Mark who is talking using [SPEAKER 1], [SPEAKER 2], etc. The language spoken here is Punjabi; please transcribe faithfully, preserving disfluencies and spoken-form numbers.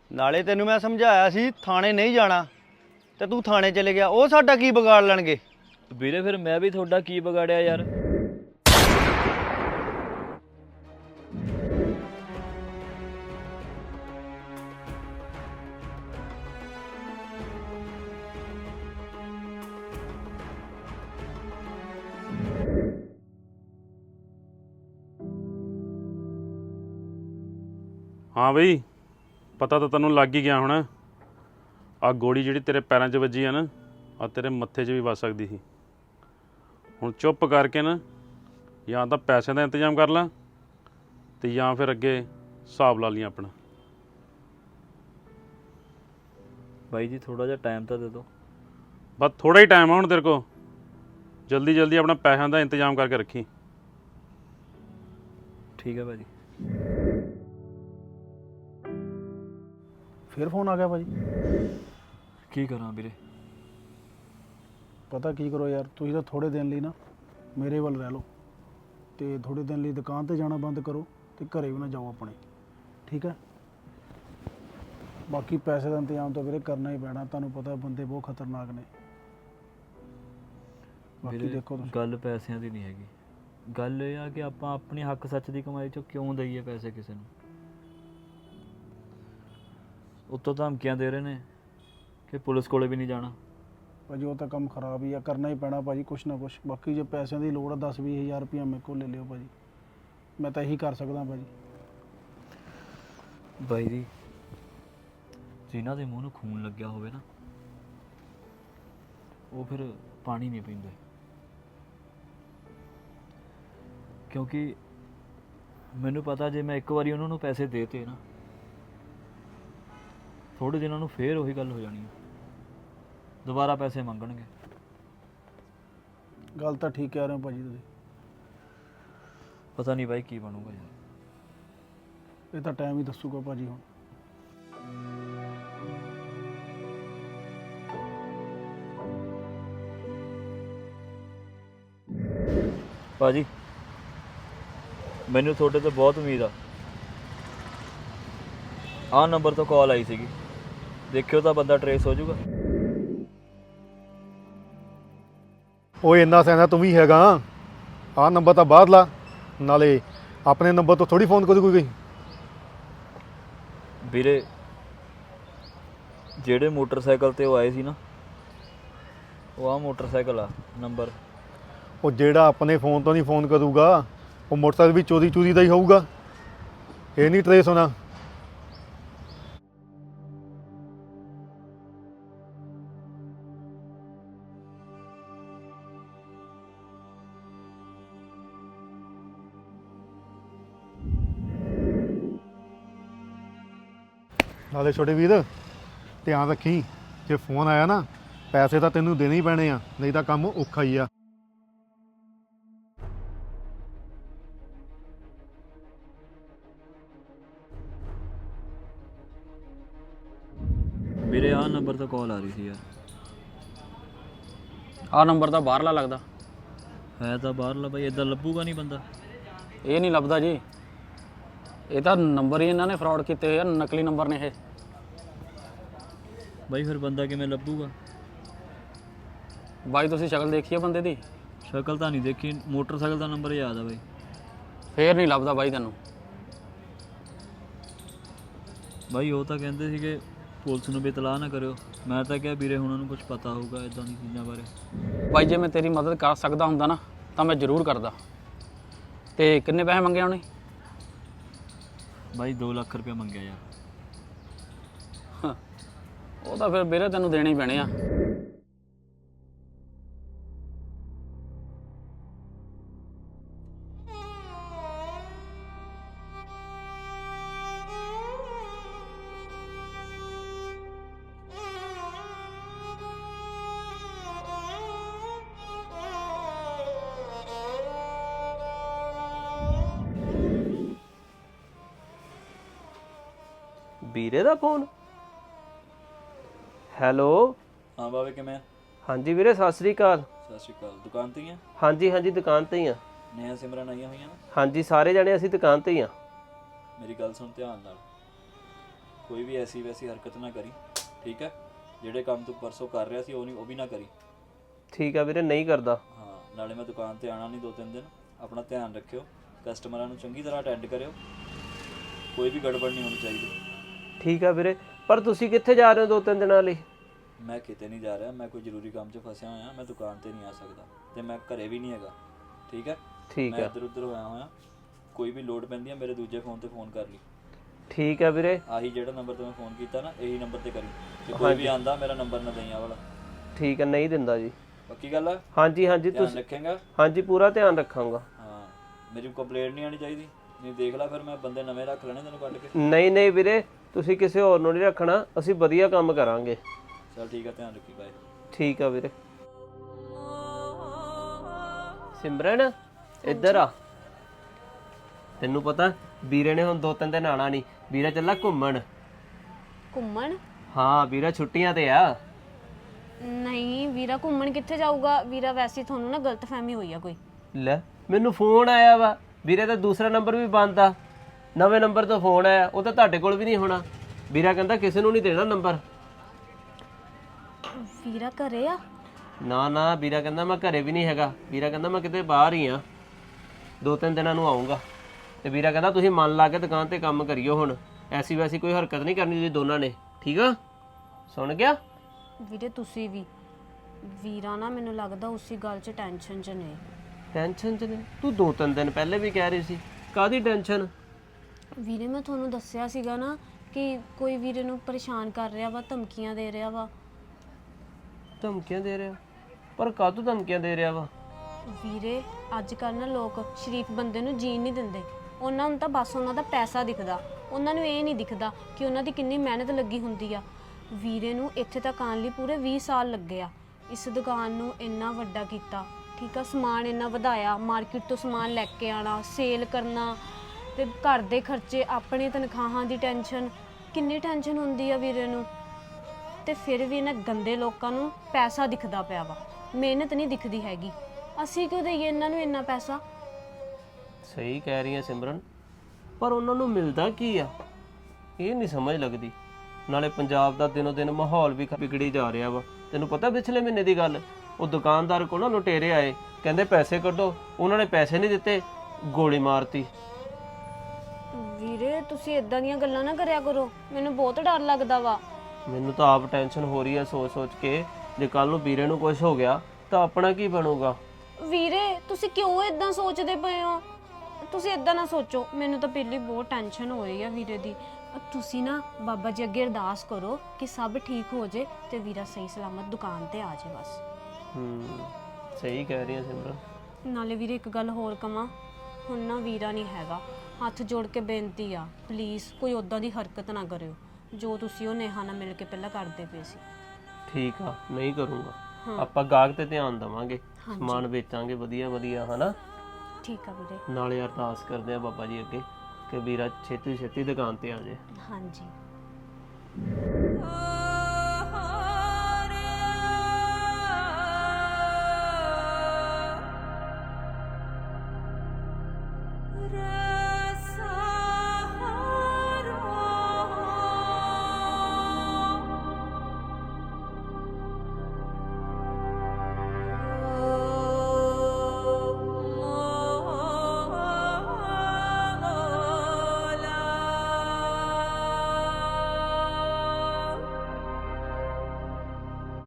[SPEAKER 1] ਨਾਲੇ ਤੈਨੂੰ ਮੈਂ ਸਮਝਾਇਆ ਸੀ ਥਾਣੇ ਨਹੀਂ ਜਾਣਾ ਤੇ ਤੂੰ ਥਾਣੇ ਚਲੇ ਗਿਆ। ਉਹ ਸਾਡਾ ਕੀ ਵਿਗਾੜ ਲੈਣਗੇ?
[SPEAKER 2] ਵੀਰੇ ਫਿਰ ਮੈਂ ਵੀ ਤੁਹਾਡਾ ਕੀ ਵਿਗਾੜਿਆ ਯਾਰ?
[SPEAKER 3] हाँ बई पता तो तेनों लग ही गया होना। आ गोली जी तेरे पैरों च वजी है ना, आ तेरे मत्थे च भी वज सकती थी। हुण चुप करके ना या तो पैसे का इंतजाम कर ला तो या फिर अगे हिसाब ला लिया अपना।
[SPEAKER 2] भाई जी थोड़ा जिहा टाइम तो दे दो।
[SPEAKER 3] बस थोड़ा ही टाइम है हुण तेरे को, जल्दी जल्दी अपना पैसों का इंतजाम करके रखी।
[SPEAKER 2] ठीक है भाजी।
[SPEAKER 4] फिर फोन आ गया भाजी।
[SPEAKER 2] की करा वीरे?
[SPEAKER 4] पता की करो यार, तुसीं तो थोड़े दिन लिए ना मेरे वाल रह लो तो थोड़े दिन लिए दुकान पर जाना बंद करो तो घरे भी ना जाओ अपने, ठीक है? बाकी पैसे का इंतजाम तो वीरे करना ही पैना, तुहानूं पता बंदे बहुत खतरनाक ने। बाकी देखो तुसीं
[SPEAKER 2] गल पैसों की नहीं हैगी, गल यह है कि आपां अपनी हक सच की कमाई चो क्यों दईए पैसे किसी नूं? उत्तों धमकियां दे रहे हैं कि पुलिस कोले भी नहीं जाना।
[SPEAKER 4] भाजी वो तो काम खराब ही है, करना ही पैना भाजी कुछ ना कुछ। बाकी जो पैसों की लोड़ है दस भी हज़ार रुपया मेरे को ले लियो भाजी, मैं तो यही कर सकदा भाजी।
[SPEAKER 2] भाई जी जिन्हां दे मूँह नूं खून लग्या होवे ना वो फिर पानी नहीं पींदे, क्योंकि मैनूं पता जे मैं एक बारी उन्होंने पैसे देते ना थोड़े दिनों में फिर वही गल हो जानी है, दोबारा पैसे मंगणगे।
[SPEAKER 4] गल तो ठीक कह रहे हो भाजी तुसीं,
[SPEAKER 2] पता नहीं भाई की बनूगा यार,
[SPEAKER 4] ये तो टाइम ही दसूगा भाजी। हुण
[SPEAKER 2] भाजी मैनू थोड़े तो बहुत उम्मीद आ, आ नंबर तो कॉल आई सीगी, देखियो तो बंदा ट्रेस हो जाऊगा।
[SPEAKER 5] ਉਹ ਇੰਨਾ ਸਿਆਣਾ ਤੂੰ ਵੀ ਹੈਗਾ, ਆਹ ਨੰਬਰ ਤਾਂ ਬਾਹਰ ਲਾ, ਨਾਲੇ ਆਪਣੇ ਨੰਬਰ ਤੋਂ ਥੋੜੀ ਫੋਨ ਕਰੂ ਕੋਈ।
[SPEAKER 2] ਵੀਰੇ ਜਿਹੜੇ ਮੋਟਰਸਾਈਕਲ ਤੇ ਉਹ ਆਏ ਸੀ ਨਾ ਉਹ ਆ ਮੋਟਰਸਾਈਕਲ ਆ ਨੰਬਰ।
[SPEAKER 5] ਉਹ ਜਿਹੜਾ ਆਪਣੇ ਫੋਨ ਤੋਂ ਨਹੀਂ ਫੋਨ ਕਰੂਗਾ ਉਹ ਮੋਟਰਸਾਈਕਲ ਵੀ ਚੋਰੀ ਚੋਰੀ ਦਾ ਹੀ ਹੋਊਗਾ, ਇਹ ਨਹੀਂ ਟਰੇਸ ਹੋਣਾ। ਨਾਲੇ ਛੋਟੇ ਵੀਰ ਧਿਆਨ ਰੱਖੀ, ਜੇ ਫੋਨ ਆਇਆ ਨਾ ਪੈਸੇ ਤਾਂ ਤੈਨੂੰ ਦੇਣੇ ਹੀ ਪੈਣੇ ਆ, ਨਹੀਂ ਤਾਂ ਕੰਮ ਔਖਾ ਹੀ ਆ।
[SPEAKER 2] ਵੀਰੇ ਆ ਨੰਬਰ ਤੋਂ ਕਾਲ ਆ ਰਹੀ ਸੀ ਯਾਰ।
[SPEAKER 6] ਆ ਨੰਬਰ ਤਾਂ ਬਾਹਰਲਾ ਲੱਗਦਾ
[SPEAKER 2] ਹੈ ਤਾਂ ਬਾਹਰਲਾ ਬਾਈ, ਇਦਾਂ ਲੱਭੂਗਾ ਨਹੀਂ ਬੰਦਾ।
[SPEAKER 6] ਇਹ ਨਹੀਂ ਲੱਭਦਾ ਜੀ, ਇਹ ਤਾਂ ਨੰਬਰ ਹੀ ਇਹਨਾਂ ਨੇ ਫਰਾਡ ਕੀਤੇ ਹੋਏ ਆ, ਨਕਲੀ ਨੰਬਰ ਨੇ ਇਹ।
[SPEAKER 2] ਬਾਈ ਫਿਰ ਬੰਦਾ ਕਿਵੇਂ ਲੱਭੂਗਾ?
[SPEAKER 6] ਬਾਈ ਤੁਸੀਂ ਸ਼ਕਲ ਦੇਖੀ ਆ ਬੰਦੇ ਦੀ?
[SPEAKER 2] ਸ਼ਕਲ ਤਾਂ ਨਹੀਂ ਦੇਖੀ, ਮੋਟਰਸਾਈਕਲ ਦਾ ਨੰਬਰ ਯਾਦ ਆ ਬਾਈ।
[SPEAKER 6] ਫੇਰ ਨਹੀਂ ਲੱਭਦਾ ਬਾਈ ਤੈਨੂੰ।
[SPEAKER 2] ਬਾਈ ਉਹ ਤਾਂ ਕਹਿੰਦੇ ਸੀਗੇ ਪੁਲਿਸ ਨੂੰ ਵੀ ਇਤਲਾਹ ਨਾ ਕਰਿਓ, ਮੈਂ ਤਾਂ ਕਿਹਾ ਵੀਰੇ ਉਹਨਾਂ ਨੂੰ ਕੁਝ ਪਤਾ ਹੋਊਗਾ ਇਦਾਂ ਦੀ ਚੀਜ਼ਾਂ ਬਾਰੇ।
[SPEAKER 6] ਬਾਈ ਜੇ ਮੈਂ ਤੇਰੀ ਮਦਦ ਕਰ ਸਕਦਾ ਹੁੰਦਾ ਨਾ ਤਾਂ ਮੈਂ ਜ਼ਰੂਰ ਕਰਦਾ। ਤੇ ਕਿੰਨੇ ਪੈਸੇ ਮੰਗੇ ਉਹਨੇ?
[SPEAKER 2] ਬਾਈ ਦੋ ਲੱਖ ਰੁਪਏ ਮੰਗਿਆ ਯਾਰ।
[SPEAKER 6] ਉਹ ਤਾਂ ਫਿਰ ਵੀਰੇ ਤੈਨੂੰ ਦੇਣੇ ਹੀ ਪੈਣੇ ਆ।
[SPEAKER 7] ਵੀਰੇ ਦਾ ਫੋਨ? ਹੈਲੋ।
[SPEAKER 2] ਹਾਂ ਬਾਵੇ ਕਿਵੇਂ ਆ?
[SPEAKER 7] ਹਾਂਜੀ ਵੀਰੇ ਸਤਿ ਸ੍ਰੀ ਅਕਾਲ।
[SPEAKER 2] ਸਤਿ ਸ਼੍ਰੀ ਅਕਾਲ। ਦੁਕਾਨ ਤੇ ਹੀ ਆ?
[SPEAKER 7] ਹਾਂਜੀ ਹਾਂਜੀ ਦੁਕਾਨ ਤੇ ਹੀ ਆ।
[SPEAKER 2] ਨੇਹਾ ਸਿਮਰਨ ਆਈਆਂ ਹੋਈਆਂ ਨਾ?
[SPEAKER 7] ਹਾਂਜੀ ਸਾਰੇ ਜਣੇ ਅਸੀਂ ਦੁਕਾਨ ਤੇ ਹੀ ਆ।
[SPEAKER 2] ਮੇਰੀ ਗੱਲ ਸੁਣ ਧਿਆਨ ਨਾਲ, ਕੋਈ ਵੀ ਐਸੀ ਵੈਸੀ ਹਰਕਤ ਨਾ ਕਰੀ, ਠੀਕ ਹੈ? ਜਿਹੜੇ ਕੰਮ ਤੂੰ ਪਰਸੋਂ ਕਰ ਰਿਹਾ ਸੀ ਉਹ ਨਹੀਂ ਉਹ ਵੀ ਨਾ ਕਰੀ।
[SPEAKER 7] ਠੀਕ ਆ ਵੀਰੇ, ਨਹੀਂ ਕਰਦਾ।
[SPEAKER 2] ਹਾਂ, ਨਾਲੇ ਮੈਂ ਦੁਕਾਨ ਤੇ ਆਣਾ ਨਹੀਂ ਦੋ ਤਿੰਨ ਦਿਨ, ਆਪਣਾ ਧਿਆਨ ਰੱਖਿਓ, ਕਸਟਮਰਾਂ ਨੂੰ ਚੰਗੀ ਤਰ੍ਹਾਂ ਅਟੈਂਡ ਕਰਿਓ, ਕੋਈ ਵੀ ਗੜਬੜ ਨਹੀਂ ਹੋਣੀ ਚਾਹੀਦੀ।
[SPEAKER 7] ਠੀਕ ਆ ਵੀਰੇ, ਪਰ ਤੁਸੀਂ ਕਿੱਥੇ ਜਾ ਰਹੇ ਹੋ ਦੋ ਤਿੰਨ ਦਿਨਾਂ ਲਈ?
[SPEAKER 2] ਮੈਂ ਕਿਤੇ ਨਹੀਂ ਜਾ ਰਿਹਾ, ਮੈਂ ਕੋਈ ਜ਼ਰੂਰੀ ਕੰਮ 'ਚ ਫਸਿਆ ਹੋਇਆ, ਮੈਂ ਦੁਕਾਨ ਤੇ ਨਹੀਂ ਆ ਸਕਦਾ ਤੇ ਮੈਂ ਘਰੇ ਵੀ ਨਹੀਂ ਹੈਗਾ, ਠੀਕ ਹੈ?
[SPEAKER 7] ਠੀਕ
[SPEAKER 2] ਮੈਂ
[SPEAKER 7] ਆ
[SPEAKER 2] ਇੱਧਰ ਉੱਧਰ ਹੋਇਆ ਹੋਇਆ, ਕੋਈ ਵੀ ਲੋੜ ਪੈਂਦੀ ਹੈ ਮੇਰੇ ਦੂਜੇ ਫੋਨ ਤੇ ਫੋਨ ਕਰ ਲਈ।
[SPEAKER 7] ਠੀਕ ਆ ਵੀਰੇ।
[SPEAKER 2] ਆਹੀ ਜਿਹੜਾ ਨੰਬਰ ਤੇ ਮੈਂ ਫੋਨ ਕੀਤਾ ਨਾ, ਇਹੀ ਨੰਬਰ ਤੇ ਕਰੀ, ਤੇ ਕੋਈ ਵੀ ਆਂਦਾ ਮੇਰਾ ਨੰਬਰ ਨਾ ਦਈਆਂ ਵਾਲਾ।
[SPEAKER 7] ਠੀਕ ਆ, ਨਹੀਂ ਦਿੰਦਾ ਜੀ।
[SPEAKER 2] ਪੱਕੀ ਗੱਲ ਆ?
[SPEAKER 7] ਹਾਂਜੀ ਹਾਂਜੀ,
[SPEAKER 2] ਧਿਆਨ
[SPEAKER 7] ਤੁਸੀਂ
[SPEAKER 2] ਰੱਖੇਂਗਾ?
[SPEAKER 7] ਹਾਂਜੀ ਪੂਰਾ ਧਿਆਨ ਰੱਖਾਂਗਾ।
[SPEAKER 2] ਹਾਂ, ਮੇਰੀ ਕੰਪਲੇਂਟ ਨਹੀਂ ਆਣੀ ਚਾਹੀਦੀ, ਨਹੀਂ ਦੇਖ ਲੈ ਫਿਰ ਮੈਂ ਬੰਦੇ ਨਵੇਂ ਰੱਖ ਲੈਣੇ ਤੈਨੂੰ ਕੱਢ ਕੇ।
[SPEAKER 7] ਨਹੀਂ ਨਹੀਂ ਵੀਰੇ, ਤੁਸੀਂ ਕਿਸੇ ਹੋਰ ਨੂੰ ਨਹੀਂ ਰੱਖਣਾ, ਅਸੀਂ ਵਧੀਆ ਕੰਮ ਕਰਾਂਗੇ।
[SPEAKER 2] ਚਲ ਠੀਕ ਆ, ਧਿਆਨ ਰੱਖੀ, ਬਾਏ।
[SPEAKER 7] ਠੀਕ ਆ ਵੀਰੇ। ਸਿਮਰਨ ਇੱਧਰ ਆ। ਤੈਨੂੰ ਪਤਾ ਵੀਰੇ ਨੇ ਹੁਣ ਦੋ ਤਿੰਨ ਦਿਨ ਆਣਾ ਨਹੀਂ, ਵੀਰਾ ਚੱਲਾ ਘੁੰਮਣ।
[SPEAKER 8] ਘੁੰਮਣ?
[SPEAKER 7] ਹਾਂ ਵੀਰਾ ਛੁੱਟੀਆਂ ਤੇ ਆ।
[SPEAKER 8] ਨਹੀਂ ਵੀਰਾ ਘੁੰਮਣ ਕਿੱਥੇ ਜਾਊਗਾ? ਵੀਰਾ ਵੈਸੇ ਹੀ ਤੁਹਾਨੂੰ ਨਾ ਗਲਤਫਹਿਮੀ ਹੋਈ ਆ ਕੋਈ।
[SPEAKER 7] ਲੈ ਮੈਨੂੰ ਫੋਨ ਆਇਆ ਵਾ, ਵੀਰੇ ਦਾ ਦੂਸਰਾ ਨੰਬਰ ਵੀ ਬੰਦ ਆ, ਨਵੇਂ ਨੰਬਰ ਤੋਂ ਫੋਨ ਆਇਆ, ਉਹ ਤਾਂ ਤੁਹਾਡੇ ਕੋਲ ਵੀ ਨਹੀਂ ਹੋਣਾ। ਵੀਰਾ ਕਹਿੰਦਾ ਕਿਸੇ ਨੂੰ ਨਹੀਂ ਦੇਣਾ ਨੰਬਰ।
[SPEAKER 8] ਵੀਰਾ ਘਰੇ ਆ?
[SPEAKER 7] ਨਾ ਨਾ, ਵੀਰਾ ਕਹਿੰਦਾ ਮੈਂ ਘਰੇ ਵੀ ਨਹੀਂ ਹੈਗਾ, ਵੀਰਾ ਕਹਿੰਦਾ ਮੈਂ ਕਿਤੇ ਬਾਹਰ ਹੀ ਆ, ਦੋ ਤਿੰਨ ਦਿਨਾਂ ਨੂੰ ਆਉਂਗਾ। ਤੇ ਵੀਰਾ ਕਹਿੰਦਾ ਤੁਸੀਂ ਮਨ ਲਾ ਕੇ ਦੁਕਾਨ ਤੇ ਕੰਮ ਕਰਿਓ, ਹੁਣ ਐਸੀ ਵੈਸੀ ਕੋਈ ਹਰਕਤ ਨਹੀਂ ਕਰਨੀ ਤੁਸੀਂ ਦੋਨਾਂ ਨੇ, ਠੀਕ ਆ? ਸੁਣ ਗਿਆ?
[SPEAKER 8] ਵੀਰੇ ਤੁਸੀਂ ਵੀ, ਵੀਰਾ ਨਾ ਮੈਨੂੰ ਲੱਗਦਾ ਉਸੇ ਗੱਲ 'ਚ ਟੈਨਸ਼ਨ 'ਚ ਨੇ।
[SPEAKER 7] ਟੈਨਸ਼ਨ ਚ ਨੇ? ਤੂੰ ਦੋ ਤਿੰਨ ਦਿਨ ਪਹਿਲੇ ਵੀ ਕਹਿ ਰਹੀ ਸੀ, ਕਾਹਦੀ ਟੈਨਸ਼ਨ?
[SPEAKER 8] ਵੀਰੇ ਮੈਂ ਤੁਹਾਨੂੰ ਦੱਸਿਆ ਸੀਗਾ ਨਾ ਕਿ ਕੋਈ ਵੀਰੇ ਨੂੰ ਪਰੇਸ਼ਾਨ ਕਰ ਰਿਹਾ ਵਾ, ਧਮਕੀਆਂ ਦੇ ਰਿਹਾ ਵਾ।
[SPEAKER 7] ਧਮਕੀਆਂ ਦੇ ਰਿਹਾ? ਪਰ ਕਾਹਤੋਂ ਧਮਕੀਆਂ ਦੇ ਰਿਹਾ ਵਾ?
[SPEAKER 8] ਵੀਰੇ ਅੱਜ ਕੱਲ੍ਹ ਨਾ ਲੋਕ ਸ਼ਰੀਫ ਬੰਦੇ ਨੂੰ ਜੀਣ ਨਹੀਂ ਦਿੰਦੇ, ਉਹਨਾਂ ਨੂੰ ਤਾਂ ਬਸ ਉਹਨਾਂ ਦਾ ਪੈਸਾ ਦਿਖਦਾ, ਉਹਨਾਂ ਨੂੰ ਇਹ ਨਹੀਂ ਦਿਖਦਾ ਕਿ ਉਹਨਾਂ ਦੀ ਕਿੰਨੀ ਮਿਹਨਤ ਲੱਗੀ ਹੁੰਦੀ ਆ। ਵੀਰੇ ਨੂੰ ਇੱਥੇ ਤੱਕ ਆਉਣ ਲਈ ਪੂਰੇ ਵੀਹ ਸਾਲ ਲੱਗੇ ਆ, ਇਸ ਦੁਕਾਨ ਨੂੰ ਇੰਨਾ ਵੱਡਾ ਕੀਤਾ, ਠੀਕ ਆ, ਸਮਾਨ ਇੰਨਾ ਵਧਾਇਆ, ਮਾਰਕੀਟ ਤੋਂ ਸਮਾਨ ਲੈ ਕੇ ਆਣਾ, ਸੇਲ ਕਰਨਾ, ਤੇ ਘਰ ਦੇ ਖਰਚੇ, ਆਪਣੇ ਤਨਖਾਹਾਂ ਦੀ ਟੈਨਸ਼ਨ, ਕਿੰਨੀ ਟੈਨਸ਼ਨ ਹੁੰਦੀ ਆ ਵੀਰੇ ਨੂੰ। ਤੇ ਫਿਰ ਵੀ ਇਹਨਾਂ ਗੰਦੇ ਲੋਕਾਂ ਨੂੰ ਪੈਸਾ ਦਿਖਦਾ ਪਿਆ ਵਾ, ਮਿਹਨਤ ਨਹੀਂ ਦਿਖਦੀ ਹੈਗੀ। ਅਸੀਂ ਕਿਉਂ ਦਈਏ ਇਹਨਾਂ ਨੂੰ ਇੰਨਾ ਪੈਸਾ?
[SPEAKER 7] ਸਹੀ ਕਹਿ ਰਹੀ ਹੈ ਸਿਮਰਨ, ਪਰ ਉਹਨਾਂ ਨੂੰ ਮਿਲਦਾ ਕੀ ਆ ਇਹ ਨਹੀਂ ਸਮਝ ਲੱਗਦੀ। ਨਾਲੇ ਪੰਜਾਬ ਦਾ ਦਿਨੋ ਦਿਨ ਮਾਹੌਲ ਵੀ ਵਿਗੜੀ ਜਾ ਰਿਹਾ ਵਾ। ਤੈਨੂੰ ਪਤਾ ਪਿਛਲੇ ਮਹੀਨੇ ਦੀ ਗੱਲ, ਉਹ ਦੁਕਾਨਦਾਰ ਕੋਲ ਨਾ ਲੁਟੇਰੇ ਆਏ, ਕਹਿੰਦੇ ਪੈਸੇ ਕੱਢੋ, ਉਹਨਾਂ ਨੇ ਪੈਸੇ ਨਹੀਂ ਦਿੱਤੇ, ਗੋਲੀ ਮਾਰਤੀ।
[SPEAKER 8] ਵੀਰੇ ਤੁਸੀਂ ਇਦਾਂ ਦੀਆਂ ਗੱਲਾਂ ਨਾ ਕਰਿਆ ਕਰੋ, ਮੈਨੂੰ ਬਹੁਤ ਡਰ ਲੱਗਦਾ ਵਾ।
[SPEAKER 7] ਮੈਨੂੰ ਤਾਂ ਆਪ ਟੈਨਸ਼ਨ ਹੋ ਰਹੀ ਹੈ ਸੋਚ ਸੋਚ ਕੇ, ਜੇ ਕੱਲ ਨੂੰ ਵੀਰੇ ਨੂੰ ਕੁਝ ਹੋ ਗਿਆ ਤਾਂ ਆਪਣਾ ਕੀ ਬਣੂਗਾ?
[SPEAKER 8] ਵੀਰੇ ਤੁਸੀਂ ਕਿਉਂ ਇਦਾਂ ਸੋਚਦੇ ਪਏ ਹੋ? ਤੁਸੀਂ ਇਦਾਂ ਨਾ ਸੋਚੋ, ਮੈਨੂੰ ਤਾਂ ਪਹਿਲੀ ਬਹੁਤ ਟੈਨਸ਼ਨ ਹੋ ਰਹੀ ਆ ਵੀਰੇ ਦੀ। ਤੁਸੀਂ ਨਾ ਬਾਬਾ ਜੀ ਅੱਗੇ ਅਰਦਾਸ ਕਰੋ ਕਿ ਸਭ ਠੀਕ ਹੋ ਜੇ ਤੇ ਵੀਰਾ ਸਹੀ ਸਲਾਮਤ ਦੁਕਾਨ ਤੇ ਆ ਜਾਏ ਬਸ।
[SPEAKER 7] ਹੂੰ, ਸਹੀ ਕਹਿ ਰਹੀ ਹੈ ਸਿਮਰਨ।
[SPEAKER 8] ਨਾਲੇ ਵੀਰੇ ਇੱਕ ਗੱਲ ਹੋਰ ਕਵਾਂ, ਹੁਣ ਨਾ ਵੀਰਾ ਨਹੀਂ ਹੈਗਾ, ਹੱਥ ਜੋੜ ਕੇ ਬੇਨਤੀ ਆ, ਪਲੀਜ਼ ਕੋਈ ਉੱਦਾਂ ਦੀ ਹਰਕਤ ਨਾ ਕਰਿਓ ਜੋ ਤੁਸੀਂ ਉਹ ਨੇਹਾ ਨਾਲ ਮਿਲ ਕੇ ਪਹਿਲਾਂ ਕਰਦੇ ਪਏ ਸੀ।
[SPEAKER 7] ਠੀਕ ਆ, ਨਹੀਂ ਕਰੂੰਗਾ। ਆਪਾਂ ਗਾਹਕ ਤੇ ਧਿਆਨ ਦੇਵਾਂਗੇ, ਸਮਾਨ ਵੇਚਾਂਗੇ ਵਧੀਆ ਵਧੀਆ, ਹਨਾ?
[SPEAKER 8] ਠੀਕ ਆ ਵੀਰੇ।
[SPEAKER 7] ਨਾਲੇ ਅਰਦਾਸ ਕਰਦੇ ਆ ਬਾਬਾ ਜੀ ਅੱਗੇ ਕਿ ਵੀਰਾ ਛੇਤੀ ਛੇਤੀ ਦੁਕਾਨ ਤੇ ਆ ਜਾਏ।
[SPEAKER 8] ਹਾਂਜੀ।